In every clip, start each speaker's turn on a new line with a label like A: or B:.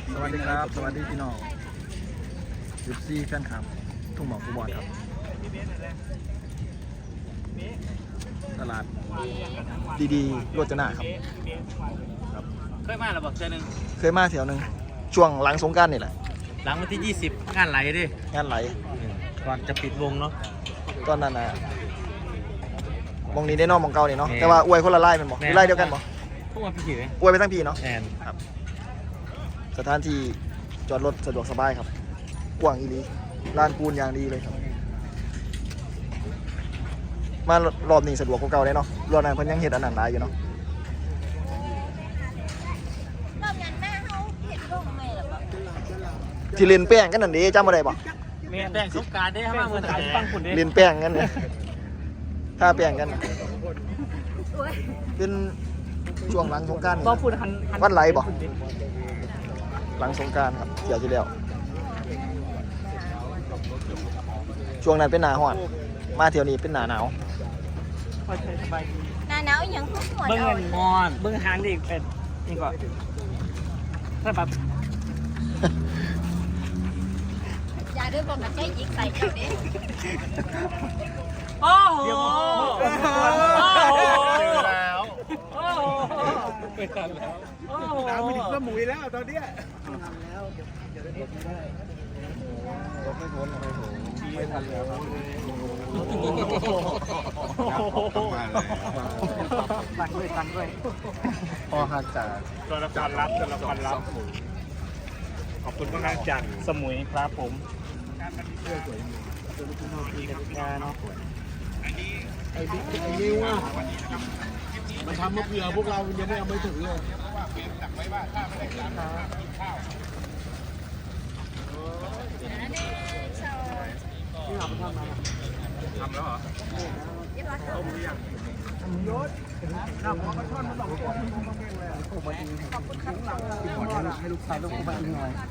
A: สวัสดีครับสวัสดีพี่น้อง14แฟนคลับทุ่งหมอกฟุตบอลครับตลาดดีๆโรจนะครับ
B: เคยมาหรือเปล่าเจอหนึ่ง
A: เคยมาแถวหนึ่งช่วงหลังสงกรานต์นี่แหละ
B: หลังวันที่20งานไหลดิ
A: งานไหล
B: ก่อนจะปิดวงเนาะ
A: ตอนนั้นนะมองนี้ได้นอกมองเก่านี่เนาะแต่ว่าอวยคนละไล่เป็นบ่ไล่เดียวกันบ่
B: พวกมันพี่ไหม
A: อวยไปทั้งพี่เนาะ
B: แอน
A: ครับสถานที่จอดรถสะดวกสบายครับกว้างอีหลีลานปูนอย่างดีเลยครับมารอบนี้สะดวกกว่าเก่าเลยเนาะรอบนั้นเพิ่นยังเฮ็ดอันนั้นหลายอยู่เนาะ
C: รอบนั้นแม่เขาเห็นโรคไหมล่ะครับ
A: ที่เล่นแป้งกันนั่นเด้จำบ่ได้บ่
B: แม่แป้งสงการได้มาเมื่อไหร่ฟังคุณดิ
A: เล่นแป้งกันเนี่ยถ้าแป้งกันเป็นช่วงหลังสงกรานต์วันไหลบ่หลังสงกรานต์ครับเที่ยวที่แล้วช่วงนั้นเป็นหน้าร้อนมาเที่ยวนี้เป็นหน้าหนาว
C: หน้าหนาวยังพุ่งหัว
B: เบิ้ง
C: เอา
B: เงินมอนเบิ้งหางดิเป็นนี่ก่อนถ้าแบบ
C: อย่าด้วยบอกกับใจยิกใส่เจ้าเด้
B: โอ้โหเจอแล้วโอ้โหไปทันแล้วโอ้โห
D: น้ำไปถึงสมุยแล้วตอนเนี้ย
A: ไม่ทันแล้ว
B: ตังด้วย
A: พอหักจาก
D: ตัวละครลับขอบคุณมากจาก
B: สมุยครับผม
D: ไอ้นิ้วอ่ะมันทำมาเผื่อพวกเรายังไม่เอาไม่ถึงเลยทำแล้วเหรอต้มหรือยังยศน้ำมันช่อนมันหลอกตัวมันคงเก่งเลยโอ้มาดีให้ลูกชายลูกมาดีหน่อย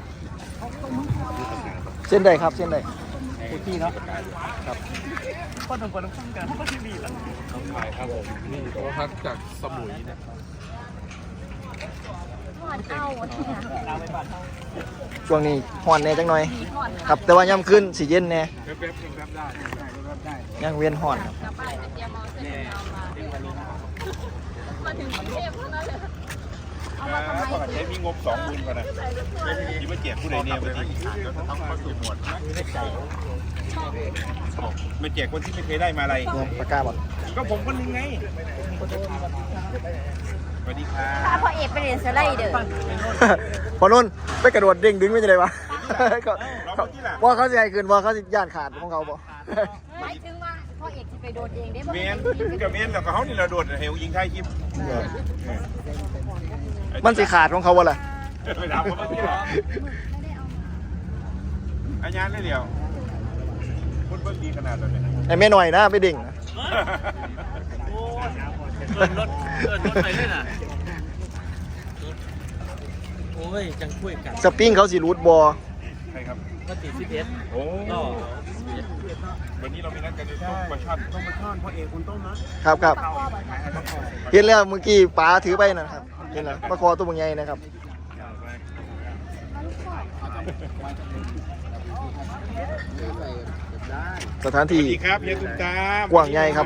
A: เส้นใดครับเส้นใด
B: พี่เนาะ
A: ครับ
B: ก็ต้องคนต้องการก็ที่ดีแล้ว
D: ต้องถ่ายครับผมนี่โทรทัศน์จากสมุยเนี่ย
A: ช่วงนี้ฮ้อนแน่จังหน่อยครับแต่ว่าย่ำขึ้นสิเย็นแน่
D: แป๊บได้
A: ยังเวียนฮ้อนครับ
D: ปกติมีงบ20,000ก่อนนะยิ่งมาแจกผู้ใดเนี่ยวันนี้ต้องมาสู่หมวดมาแจกคนที่ไม่เคยได้มาอะไร
A: ปากกาบ่
D: ก็ผมคนนึงไงสวัสดีครับ
C: ถ้าพ่อเอกไปเรียนสไลเดอร์
A: พอนุ่นไปกระโดดเด้งดึงไม่ใช่ไรวะว่าเขาจะให้คืนว่าเขาจะย่านขาดของเขาบ่
C: หมายถึงว่าพ่อเอกจะไปโดดเองได้บ่
D: เมนกับเมนแล้วก็เขานี่เราโดดเฮลยิงไทยคลิป
A: มันสิขาดของเขาวะล่ะ
D: ไปถามเขาเมื่อกี้เหรออาญาได้เดียวคุณเบิ้งดีขนาดเลย
A: ไอ้แม่หน่อยนะไปดิ่งนะ
B: เกินรถไปด้วยน่ะโอ้ยจังคุยกัน
A: สปริงเขาสิรูดบอ
D: ใครครับ
B: ก็ตี11โอ้
D: วันนี้เรามีนัดกันในต้มปลาช่อนพ่อเอกคุณต้มนะครับ
A: เห็นแล้วเมื่อกี้ป๋าถือไปนะครับเห็นแล้วปลาคอตัวใหญ่นะครับสถานที่
D: ครับเฮียตุ้มตาม
A: กว้างใหญ่ครับ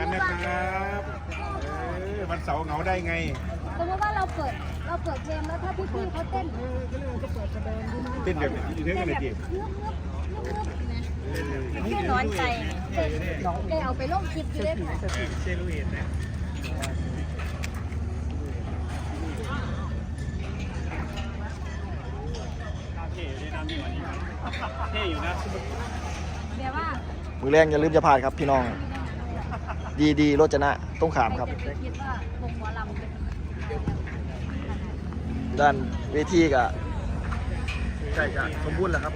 D: วันเสาร์เหงาได้ไง
C: สมมติว่าเราเปิดเพลงแล้วถ้าพี่เขาเต้น
D: เต้นแบบอยู่เท่ากันเลยดิ
C: นี่ร้อนใจได้เอาไปลงคลิปด้วยค่ะ
B: เซลูเอตนะเท่อยู่นะ
C: เดี๋ยวว่า
A: มือแรงอย่าลืมจะผ่านครับพี่น้องดีโรจนะต้องขามครับด้านเวทีกับใช่จะสมบูรณ์แล้วครับ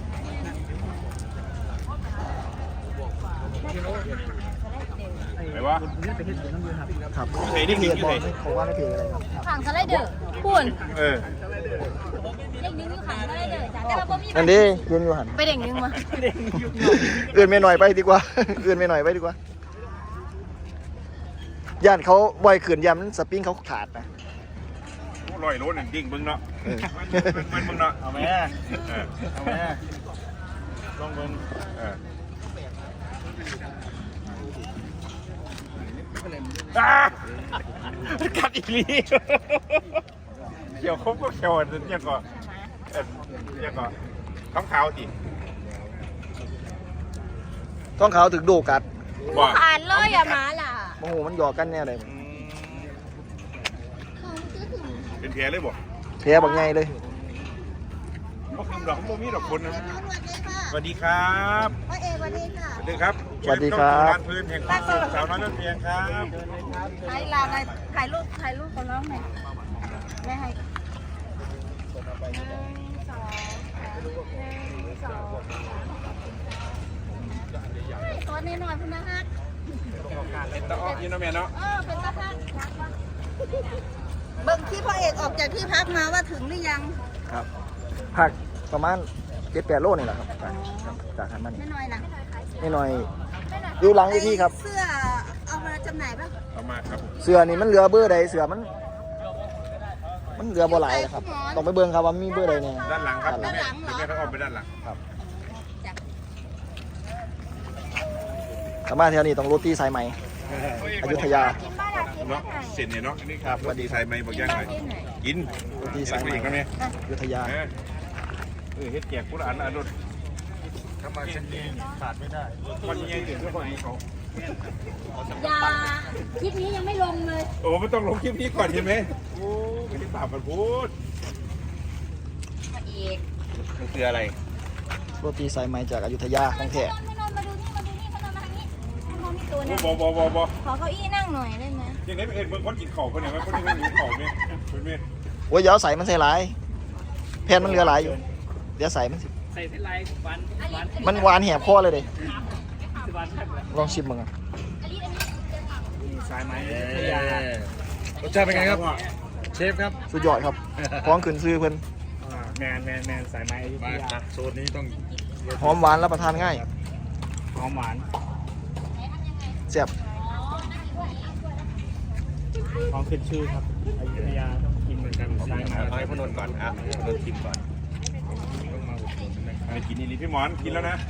D: ไหนวะ
A: ครับ
D: เพจนี่เพจ
A: บอลเขาว่าในเพจอะไรครับ
C: ขังสไลเดอร์พูนเด็กนึงอยู่ขังสไลเดอร์จ้ะแต่ว่าบ่มี
A: นั่นดิเพื่อนอยู่หัน
C: ไปเด็กนึงมา
A: เอื่นไม่หน่อยไปดีกว่าเอื่นไม่หน่อยไปดีกว่าย่านเขาบ่อยขืนยำสปริงเขาขาดนะ
E: 100 โลนั่นดิ่งเบิ่งเนาะมันเบิ่งเนาะเอาแม่เอาแม่ลองเบิ่งกัดอีกลีเขียวครบก็เขียวเนี่ยก็เนี่ยก็ท้องขาวดิ
A: ต้องเขาถึงโดกัด
E: ว่า
C: ผ่านเลยอะหมาล่ะ
A: โอ้โหมันหยอกกันแน่เลย
E: เป็นแผลเลยบ่
A: แพ้บางไงเลย
E: ก็คือดอกโมมีดอกคนนะสวัสดีครับ
C: พ่อเอวันนี้ค่ะ
E: สวัสดีครับ
A: สวัสดีครับ
E: ร้านพื้นแห่งความสุขสาวน้อยนั่นเพียงครับ
C: ให้ลาไปถ่ายรูปกับน้องหน่อยไม่ให้ตัวนี้หน่อยพุ่นนะฮะ
E: เป็นตะอ้อยินเนาะแม่เนาะ
C: เป็นตาฮัก
F: เบิ่งที่พ่อเอกออกจากที่พักมาว่าถึงหรือยัง
A: ครับผักประมาณ7-8 โลนี่แหละครับจากหันมานี่
F: ไม่น้อยนะ
A: นิดหน่อยอยู่หลังเวทีครับ
F: เสื้อเอามาจำหน่ายป่ะ
E: เอามาครับ
A: เสือนี่มันเหลือเบอร์ใดเสือมันเหลือบ่หลายครับต้องไปเบิ่งครับว่ามีเบอร์ใดแน่
E: ด้านหลังครับแม่แม่ต้องออกไปด้านหลัง
A: สามารถแถวนี้ต้องโรตีสายไหมอยุธยา
E: เนาะเสร็จเนี่ยเนาะนี่ครับสวัสดีสายไหมบอกยังไงกิน
A: โรตีสายไหม
E: อีกแล้วเนี่ย
A: อยุธยา
E: เฮ็ดแจกผู้ละอันอันนู้นทำมาเส้นนี้ขาดไม่ได้คนยังอยู่ด้วยคนนี้เขา
C: อย่าคลิปนี้ยังไม่ลงเลย
E: โอ้ไม่ต้องลงคลิปนี้ก่อนใช่ไหมโอ้ไม่ได้บาปกันพูด
C: มาอีก
E: มันคืออะไร
A: โรตีสายไหมจากอยุธยาของแท้
C: ไม่นอนมาดูนี่เขานอนมาทางนี้เขานอนมีตัวนะ
E: บอ
C: ขอเก้าอี้นั่งหน่อยได้ไหม
E: ยังไงเอ็ดเบิ่งคนกินของคนเนี่ยคนนี้ไม่กินของเนี่ยเป็นเมีย
A: โอ้ยอย่าเอาใส่มันใส่หลายแผ่นมันเหลือหลายอยู่เดี๋ยวใส่มันสิ
B: ใส่เส้นลายวัน
A: มันหวานแหบคอเลยเด้
B: วัน
A: ลองชิมมึงอ่ะ
B: สายไหมพยาร
D: สชาติเป็นไงครับเชฟครับ
A: สุดยอดครับพร้อมขึ้นซื้อเพิ่น
B: แมนสายไหมอยุธ
D: มาย
B: า
D: โซนนี้ต้อง
A: หอมหวานรับประทานง่าย
B: หอมหวาน
A: แซ่บ
B: ของขึ้นชื่อครับอยุธยาต้องกินเหมือนกันสายไหม
D: เอาให้พนนท์ก่อนอ่ะพนนท์ชิมก่อนต้องมาอุดหนุนนะครับ
E: ไปกินนี่พี่หมอนกินแล้วนะ
D: ตี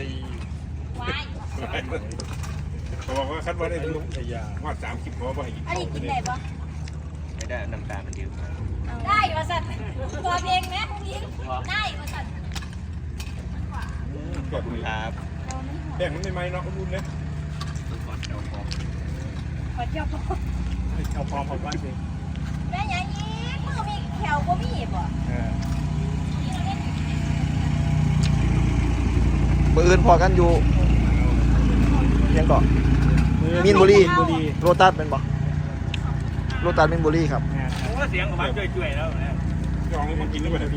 E: เขาบอกว่าคัดว่าได้ลุง
D: พยา
E: ว่า30เขาบอกให้กิน
C: อันนี้กินได้ปะ
D: ไม่ได้น้ำตาลมันเยอะมาก
C: ได้มาสัตว์ตัวเองไหมคุณยิงได้มาสัตว์
E: กดมือ
D: ครับ
E: แบ่งมันไม่ไหมเนาะรุ่นเนี่ย
C: ขอเที่ยวพอ
B: เอาพร้อมบ้านสิ
C: แม่ยังยิงมือมีแขวก็มีบ่
A: มื้ออื่นพอกันอยู่ยังเกาะมีนบุรีโรตัสเป็นบ่โรตัสมีนบุรีครับ
B: โอ้เสียงของมันจ่วยๆแล้วนะ
E: ลองมากินด้วยกันดี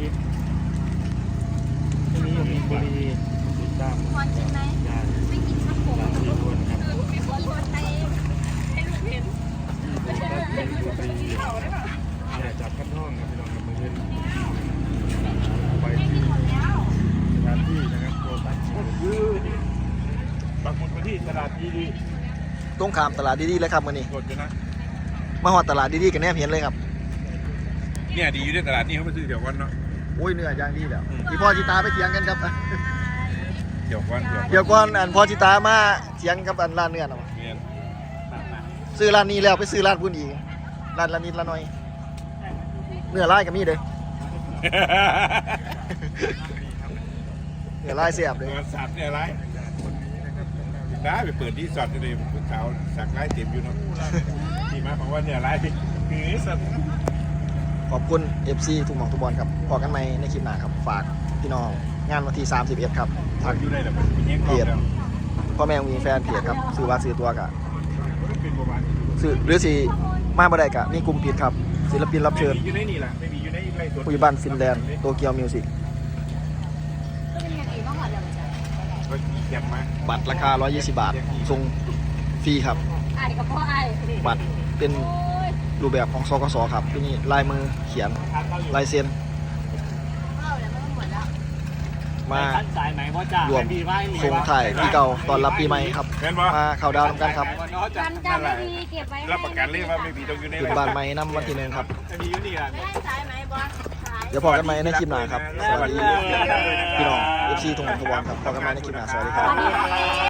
B: ที่นี่มีบุรีติดตาม
C: พรกินไหมไม่กินครับผมมีคนโทษใจให้ลูกเห็น
B: เป็นบุรีอย่าจับขั้นห้องนะพี่น้องกับมือเล่นไปที่สถานที่นะครับโปรตัสปักหมุดไปที่ตลาดดี
A: ตรงข้ามตลาดดีๆเลยครับมื้อนี้
E: กดอยู่นะ
A: มาฮอดตลาดดีๆกันแนบเห็นเลยครับ
E: เนี่ยดีอยู่ในตลาดนี่เขาไปซื้อเดี๋ยววันเนาะ
A: โอ้ยเนื้อย่างดีแล้วพี่พ่อจิตาไปเถียงกันครับ
E: เดี๋ยววัน
A: เดี๋ยวก่อนอันพ่อจิตามาเถียงกับอันร้านเนื้อน่ะ
E: เมียน
A: ซื้อร้านนี้แล้วไปซื้อร้านพุ่นอีกร้านละนิดละหน่อยเนื้อลายก็มีเด้อเนื้อลายเสียบเลย
E: เงินสัตว์เนี่ยไรได้ไปเปิดที่สอดเลยผู้สาวสักไล่เต็มอยู่เนาะที่มาบอกว่าเนี่ยไรหือสัตว์
A: ขอบคุณ FC ทุกหม่องทุกบอลครับพอกันใหม่ในคลิปหน้าครับฝากพี่น้องงานวันที่31ครับ
E: ทักอยู่ได้แหละเป็นยังกรอบแล้ว
A: พ่อแม่มีแฟนเพจครับซื้อว่าซื้อตัวกะ
E: เป็นประมาณ
A: ซื้อหรือสิมาบ่ได้กะมีกลุ่มปิดครับศิลปินรับเชิญ
E: ไม่มีอยู่ในนี่แหละไม่มีอยู่ในไรตัว
A: ผู้ใหญ่บ้านฟินแลนด์โตเกียวมิวสิก
C: ก็เป็นอย่างอื่นบ้างเหรอเดี๋ยวมันจะ
E: ก็เก็บมา
A: บัตรราคา120 บาทส่งฟรีครับ
C: ไอ้กับพ่อไอ้
A: บัตรเป็นรูปแบบของสกสครับที่นี่ลายมือเขียนลายเซ็น
C: เอาแล้วมันหมดแล้ว
A: มา
B: สายไหมพ่อจ่าร
A: วมส่งถ่ายปีเก่าตอนรับปีใหม่ครับ
E: แม่นบ่
A: มาเข้าดาวน์กันครับ
C: กันจำไม่ดีเก็บไว้
E: รับประกันเลยว่าไม่มีตรงอยู่ใน
A: ขึ้นบ้านใหม่นำวันที่1ครับ
B: จะมีอยู่นี่อ่ะ
C: ไม่ให้สายไหม
A: เดี๋ยวพอกันไหมในคลิปหน้าครับสวัสดีพี่น้อง FC ทุกคนทุกวันครับพอกันไหมในคลิปหน้าสวัสดีครับ